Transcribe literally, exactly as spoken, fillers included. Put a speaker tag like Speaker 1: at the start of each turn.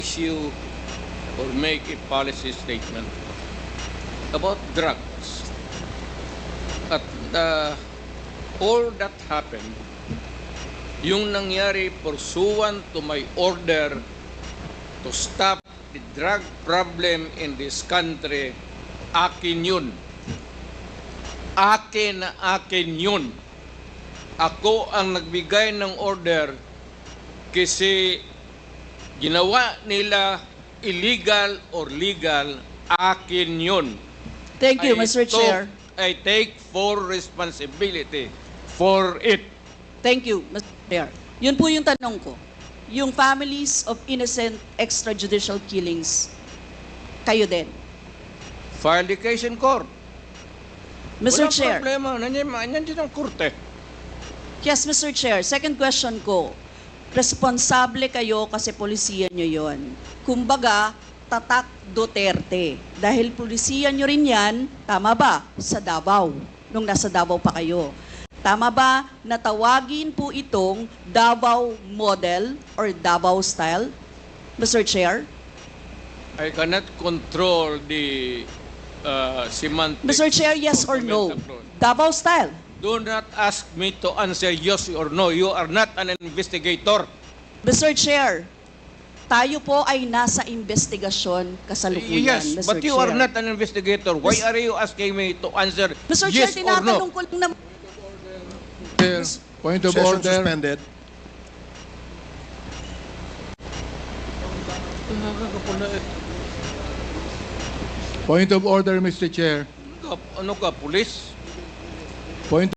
Speaker 1: issue or make a policy statement about drugs. At uh, all that happened, yung nangyari pursuant to my order to stop the drug problem in this country, akin yun. Akin na akin yun. Ako ang nagbigay ng order kasi ginawa nila illegal or legal, akin yun.
Speaker 2: Thank you,
Speaker 1: I
Speaker 2: Mister
Speaker 1: took-
Speaker 2: Chair.
Speaker 1: I take full responsibility for it.
Speaker 2: Thank you, Mister Chair. Yun po yung tanong ko. Yung families of innocent extrajudicial killings, kayo din.
Speaker 1: File the case in court.
Speaker 2: Mister
Speaker 1: Walang
Speaker 2: Chair.
Speaker 1: problema. Nandiyan, nandiyan ang korte.
Speaker 2: Yes, Mister Chair. Second question ko. Responsable kayo kasi polisiya nyo yon. Kumbaga, tatak Duterte. Dahil polisiya nyo rin yan, tama ba? Sa Davao. Nung nasa Davao pa kayo. Tama ba na tawagin po itong Davao model or Davao style? Mister Chair?
Speaker 1: I cannot control the uh, semantics.
Speaker 2: Mister Chair, yes
Speaker 1: of
Speaker 2: or
Speaker 1: the
Speaker 2: no?
Speaker 1: metaphor.
Speaker 2: Davao style.
Speaker 1: Do not ask me to answer yes or no. You are not an investigator.
Speaker 2: Mister Chair, tayo po ay nasa investigasyon kasalukuyan,
Speaker 1: Yes,
Speaker 2: Mister
Speaker 1: but you
Speaker 2: Chair.
Speaker 1: are not an investigator. Why
Speaker 2: Mis-
Speaker 1: are you asking me to answer
Speaker 2: Mister
Speaker 1: yes
Speaker 2: Chair,
Speaker 1: or
Speaker 2: tinatanong
Speaker 1: no?
Speaker 2: ko lang naman.
Speaker 3: Chair, point of
Speaker 4: Session
Speaker 3: order.
Speaker 4: suspended.
Speaker 3: Point of order, Mister Chair.
Speaker 1: Ano ka, police?
Speaker 3: Point